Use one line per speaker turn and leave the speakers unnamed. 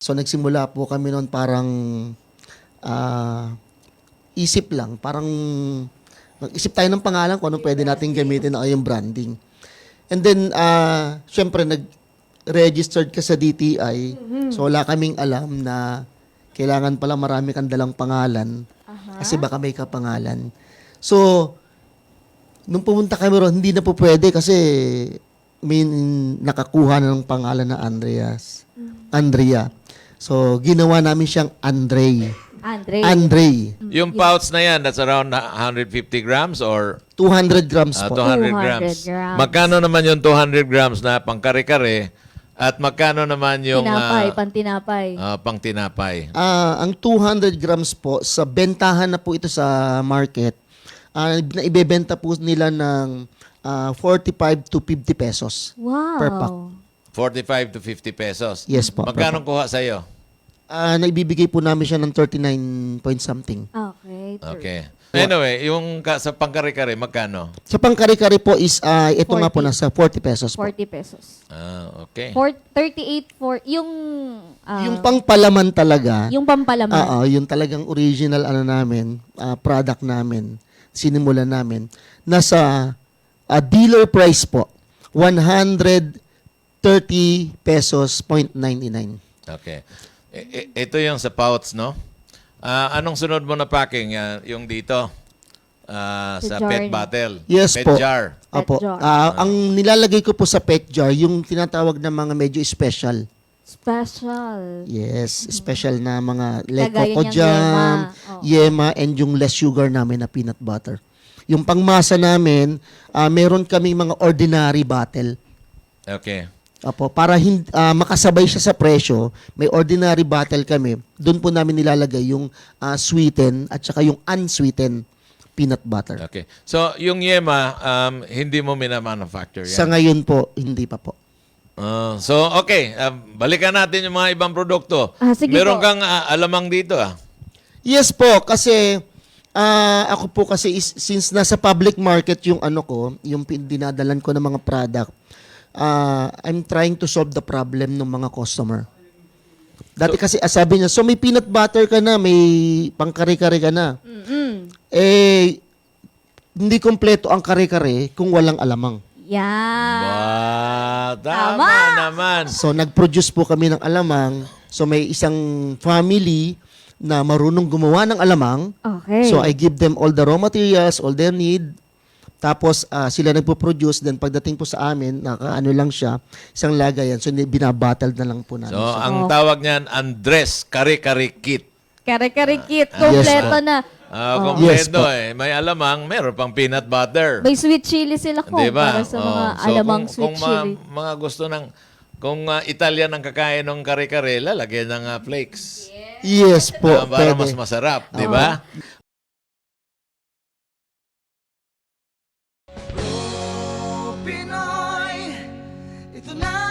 So nagsimula po kami noon parang isip lang, parang nag-isip tayo ng pangalan kung anong pwede natin gamitin o yung branding. And then, syempre, nag-registered ka sa DTI. So, wala kaming alam na kailangan pala marami kang dalang pangalan kasi baka may kapangalan. So, nung pumunta kami ron, hindi na po pwede kasi may nakakuha na ng pangalan na Andrea. So, ginawa namin siyang Andre.
Yung pouch na yan, that's around 150 grams or
200 grams po.
200
200
grams.
grams.
Magkano naman yung 200 grams na pangkare-kare at magkano naman yung
Pantinapay.
pangtinapay?
Ang 200 grams po, sa bentahan na po ito sa market, na ibebenta po nila ng 45 to 50 pesos
Wow.
per pack.
45 to 50 pesos.
Yes po.
Magkano kuha sa'yo?
Naibibigay po namin siya ng 39 point something.
Okay.
Okay. Anyway, yung sa pangkare-kare, magkano?
Sa pangkari-kari po is, ito nga po
40.
nasa 40 pesos po.
40 pesos.
Okay.
38 for yung
Yung pangpalaman talaga,
yung pampalaman.
yung talagang original namin, product namin, sinimulan namin, nasa dealer price po, 130 pesos .99.
Okay. Ito yung sa pouch, no? Anong sunod mo na packing? Yung dito? Sa
jar
pet
niya.
bottle?
Yes
pet
po.
jar?
Apo.
jar.
Ang nilalagay ko po sa pet jar, yung tinatawag na mga medyo special.
Special.
Yes, special na mga like
Kagaya
coco
niyang
jam,
yema.
yema, and yung less sugar namin na peanut butter. Yung pangmasa namin, meron kaming mga ordinary bottle.
Okay.
Apo, para makasabay siya sa presyo, may ordinary bottle kami. Doon po namin nilalagay yung sweeten at saka yung unsweetened peanut butter.
Okay. So, yung yema, hindi mo minamanufacture yan?
Sa ngayon po, hindi pa po.
So, okay. Balikan natin yung mga ibang produkto.
Sige
Meron
po.
kang alamang dito,
Yes po, kasi ako po kasi since nasa public market yung yung dinadalan ko ng mga product, I'm trying to solve the problem ng mga customer. Dati kasi sabi niya, so may peanut butter ka na, may pangkare-kare ka na. Hindi kompleto ang kare-kare kung walang alamang.
Yeah.
Tama naman.
So nag-produce po kami ng alamang. So may isang family na marunong gumawa ng alamang.
Okay.
So I give them all the raw materials, all they need. Tapos sila nagpo-produce, then pagdating po sa amin, nakaano lang siya, isang lagayan. So binabattle na lang po namin.
So,
siya.
ang tawag niyan, Andres Kare-Kare Kit.
Kare-kare kit. Kompleto na.
Kompleto
Yes,
May alamang, meron pang peanut butter.
May sweet chili sila ko.
Diba?
Para sa mga
So,
alamang
kung
sweet chili.
mga gusto ng, kung Italian ang kakain ng kare-kare, lalagyan ng flakes.
Yes po,
Para
pwede.
mas masarap, di ba?
Pinoy, ito na